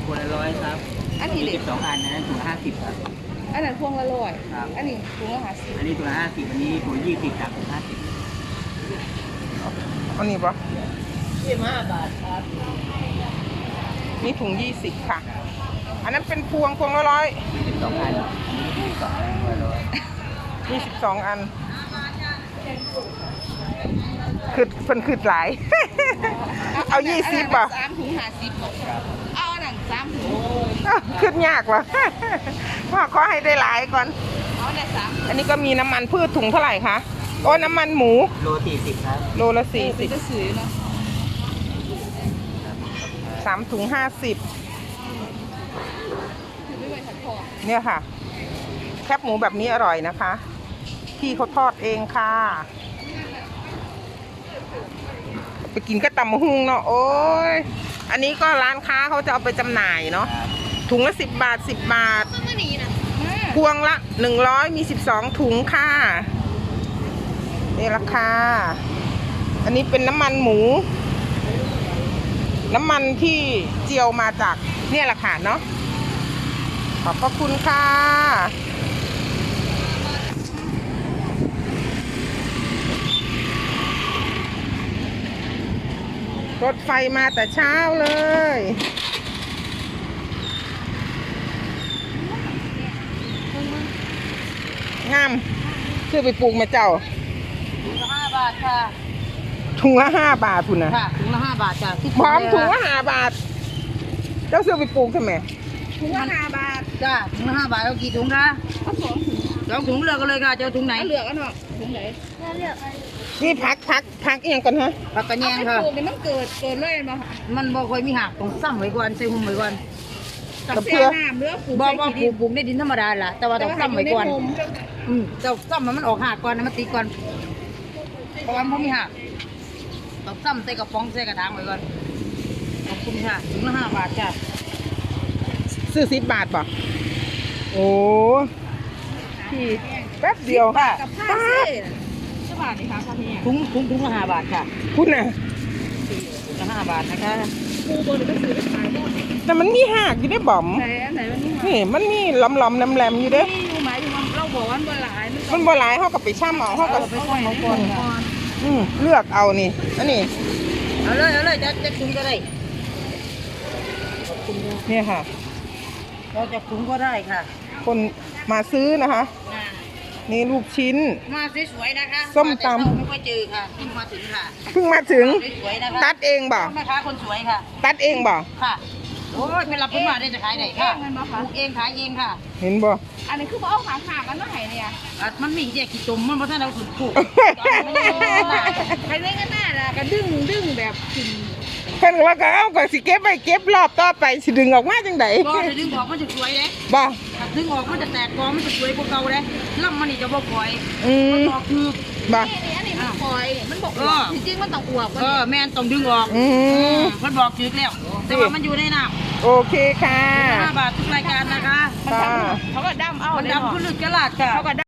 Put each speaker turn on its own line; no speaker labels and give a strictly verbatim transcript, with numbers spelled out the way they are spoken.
คนละร้อยครับ
อันนี้เด็ก
สองอันนะถุงห้าสิบครับ
อันนั้นพวงละร้อยอันนี้พวงละห้าสิบ
อันนี้ถุงห้าสิบอันนี้ถุงยี่สิบครับถุงห้าสิบ
อันนี้ปะ
ยี่สิบห้าบาทครับ
นี่ถุงยี่สิบค่ะอันนั้นเป็นพวงพวงละร้อย
ยี่สิบสองอันยี่สิบสองอันร้อย
ยี่สิบสองอันคือเพิ่นคือหลาย เอายี่สิบป่ะ
สามถุงห้าสิบเอาหนังสามถุง
ขึ้นยากวะพ่อขอให้ได้หลายก่อน
เอาได้สาม
อันนี้ก็มีน้ำมันพืชถุงเท่าไหร่คะโอ้น้ำมันหมู
โลสี่สิบครับ
โลละสี่สิบ
จะซื้อเนาะ
สามถุงห้าสิบเนี่ยค่ะแคบหมูแบบนี้อร่อยนะคะพี่เขาทอดเองค่ะไปกินก็ตำมะฮุงเนาะโอ้ยอันนี้ก็ร้านค้าเขาจะเอาไปจำหน่ายเนาะถุงละสิบบาทสิบบาทพวงละหนึ่งร้อยมีสิบสองถุงค่ะนี่ราคาอันนี้เป็นน้ำมันหมูน้ำมันที่เจียวมาจากเนี่ยแหละค่ะเนาะขอบพระคุณค่ะรถไฟมาแต่เช้าเลยงามซื้อไปปลูกมาเจ้า
ถุงละห้าบาทค่ะ
ถุงละห้าบาทคุณนะ
ค่ะถุงละห้าบาทจ้ะ
พร้อมถุงละห้าบาทเจ้าซื้อไปปลูกทำไม
ถุงละห้าบาทจ้ะถุงละห้าบาทเอากี่ถุงคะเอาสองถุงสองถุงเลือกกันเลยค่ะจะเอาถุงไหนเลือกกันเนาะถุงไหนเลือก
นี่พักพักพักยังก่อนฮะ
พักกระแยงค่ะนี่มันเกิดเกิดเลยมามันบ่ค่อยมีหักต้องซ้ำไว้ก่อนใส่หุ่มไว้ก่อน
กับเพื่อ
เลือกปลูกบ่บ่ปลูกปลูกในดินธรรมดาล่ะแต่ว่าต้องซ้ำไว้ก่อนอืมเจ้าซ้ำมันออกหักก่อนนะมันตีก่อนเพราะว่ามันมีหักต้องซ้ำใส่กระป๋องใส่กระถางไว้ก่อนขอบคุณค่ะถุงละห้าบาทจ้ะ
ซื้อสิบบาทป่ะโอ้พี่แป๊บเดียว
ค่ะกับผ้าเสื้อสิบบาทนี่ค่ะถุงถุงถุงละห้าบาทค่ะ
คุณน่ะ
ถุงละห้าบาทนะคะปูบนก็ซื้อไปขายได้
แต่มันมีหักอยู่ได้บ่ม
ไหนอันไหนมัน
นี่มันมีหลอมๆน้ำแหลมอยู่เด้
นี่อยู่หมายถึงเราบอกว่ามันบ่หลาย
มันบ่หลายเขากับไปช่ำเอาเขากับ
ไปช่ำเอาก่อน
อืมเลือกเอานี่อันนี้
เอาเลยเอาเลยจะจะถุงก็ได้
เนี่ยค่ะ
เราจะถุงก็ได้ค่ะ
คนมาซื้อนะคะนี่ลูกชิ้น
มาสวยๆนะคะ
ส้มตำ
ไม่ค่อยเจอค่ะเพิ่งมาถึงค่ะ
เพิ่งมาถึง
สวยๆนะคะ
ตัดเองบ่
แม่ค้าคนสวยค่ะ
ตัดเองบ่
ค่ะโอ้ยเป็นรับคนมาได้จะขายไหนค่ะปลูกเองขายเองค่ะ
เห็นบ่
อันนี้คือว่าเอาขาขากันมาให้เนี่ยมันมีแยกกี่ตุ่มมันเพราะท่านเราถูกปลูกใครได้กันหน้าล่ะก็ดึงดึงแบบกิน
เพิ่นว่าก็เอาก็สิเก็บไว้เก็บรอบต่อไปสิดึงออกมาจังได๋
บ่ถ้าดึงออกมันจะสวยเด้
บ่
ถ้าดึงออกมันจะแตกกอมันจะสวยกว่าเก่าเด้ลำมันนี่จะบ่ปล่อย
อืม
บ่คือ
บ่
นี่อันนี้มันปล่อยมันบอกว่าจริงๆมันต้องอวบเออแม่นต้องดึงออก
อืม
เพิ่นบอกจึกแล้วแต่ว่ามันอยู่ในน้ำ
โอเคค่ะ
ห้าบาททุกรายการนะคะ
ค่ะ
เขาก็ดำเอาดำขึ้นลึกกระลาดค่ะ